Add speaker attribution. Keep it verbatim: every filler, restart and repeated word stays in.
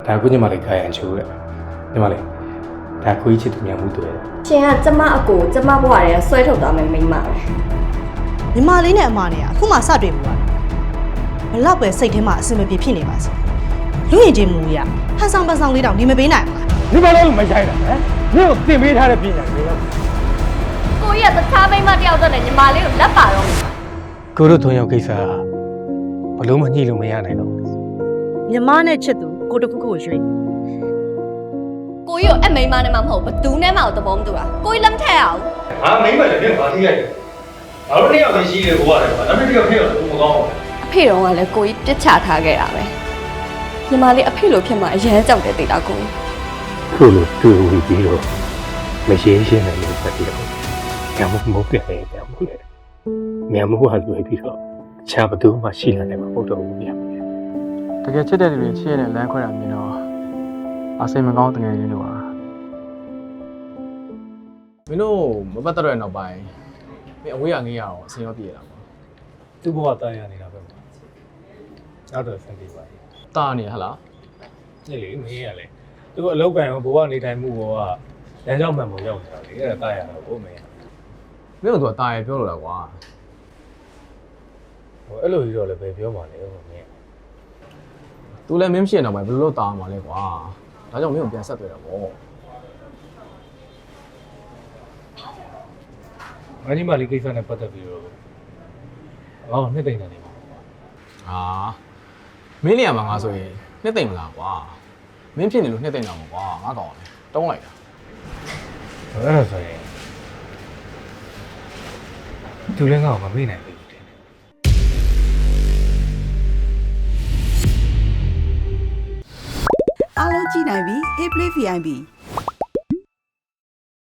Speaker 1: ဒါကိုညီမလေးခိုင်းရန်ချိုးရညီမလေးဒါကိုကြီးချစ်သူများမှုတွေ့တယ်
Speaker 2: ရှင်ကကျမအကိုကျမဘွားရဲဆွဲထုတ်သွားမယ်မိမပဲ
Speaker 3: ညီမလေးနဲ့အမနဲ့အခုမှစတွေ့ဘူးလားဘလောက်ပဲစိတ်ထဲမှာအဆင်မပြေဖြစ်နေပါစေလူရင်ချင်းမူရဟန်ဆောင်ပဆောင်လေးတောင်နေမပေးနိုင်ဘူးလား
Speaker 4: ဒီမလို့မရိုက်တာဟမ်မြို့ကိုတင်ပေးထားတဲ့ပြည်ညာတွေရော
Speaker 2: ကိုကြီးကတခြားမိမတယောက်တည်းနဲ့ညီမလေးကိုလက်ပါတော့
Speaker 1: ကိုတို့သုံးယောက်ကိစ္စကဘလို့မညှိလို့မရနိုင်တော့
Speaker 3: ညီမနဲ့ချစ်သူကိုတခုခုကိုရွှေ့
Speaker 2: ကိုကြီးကိုအမိမနဲ့မှမဟုတ်ဘသူနဲ့မှသဘောမတူတာကိုကြီးလက်မထက်အောင်
Speaker 4: ငါမိမလည်းပြန်ပါသေးရတယ်ငါတို့နှစ်ယောက်ပဲရှိတယ်ဘိုးရတယ်ကွာဒါပေမဲ့ဒီကဖြစ်တော့မကောင်းဘူး
Speaker 2: အဖေတော်ကလည်းကိုကြီးပြစ်ချထားခဲ့တာပဲညီမလေးအဖေလိုဖြစ်မှအရန်ကြောက်တယ်တိတ်တာကို
Speaker 1: ခုလိုတွေ့ပြီးပြီးတော့မရှင်းရှင်းနဲ့လို့ဆက်ပြီးတော့ညမမဟုတ်ပြတယ်ညမလေညမဟုတ်ဟာတွေ့ပြီးတော့အခြားဘသူမှရှိလာတယ်မဟုတ်တော့ဘူးညမလေ
Speaker 5: တကယ်ချစ်တဲ့လူတွေချစ်ရတဲ့လမ်းခွဲတာမြင်တော့အစိမ်မကောင်းတကယ်ရင်းလို့ပါမင်းတို့မပတ်သက်တဲ့နောက်ပိုင်းမင်းအဝေးရငေးရအောင်အစင်ရောတည်ရတာပေါ့
Speaker 1: သူ့ဘဝတာရနေတာပဲနောက်တော့ဆက်ပြီးပါ
Speaker 5: တာနေဟလား
Speaker 1: နေလေမင်းရလေသူအလောက်ကန်ဘဝနေထိုင်မှုဘောကလမ်းကြောင်းမှန်ပုံရောက်နေတာလေအဲ့ဒါတာရတာဘို့မင်း
Speaker 5: မင်းတို့ကတာရပြောလို့လားကွာ
Speaker 1: ဟိုအဲ့လိုကြီးတော့လည်းပဲပြောမှလည်းဟိုမင်း
Speaker 5: သူလည်းမင်းမရှိတဲ့နောက်ပိုင်းဘယ်လိုလုပ်တာမှာလဲကွာဒါကြောင့်မင်းကိုပြန်ဆက်တွေ့တာပေါ့
Speaker 1: ငါညီမလေးကိစ္စနဲ့ပတ်သက်ပြီးတော့ဟောနှစ်သိမ့်နေတယ်ပေါ့
Speaker 5: ဟာမင်းနေရာမှာငါဆိုရင်နှစ်သိမ့်မလားကွာမင်းဖြစ်နေလို့နှစ်သိမ့်တာပေါ့ကွာငါကောင်းတယ်တုံးလိုက်တာ
Speaker 1: အဲ့ဒါဆိုရင်သူလည်းငါ့ကိုမမေ့နိုင်ဘူးတင်
Speaker 6: အားလုံးကြည့်နိုင်ပြီ Hey Play ဗီ အိုင် ပီ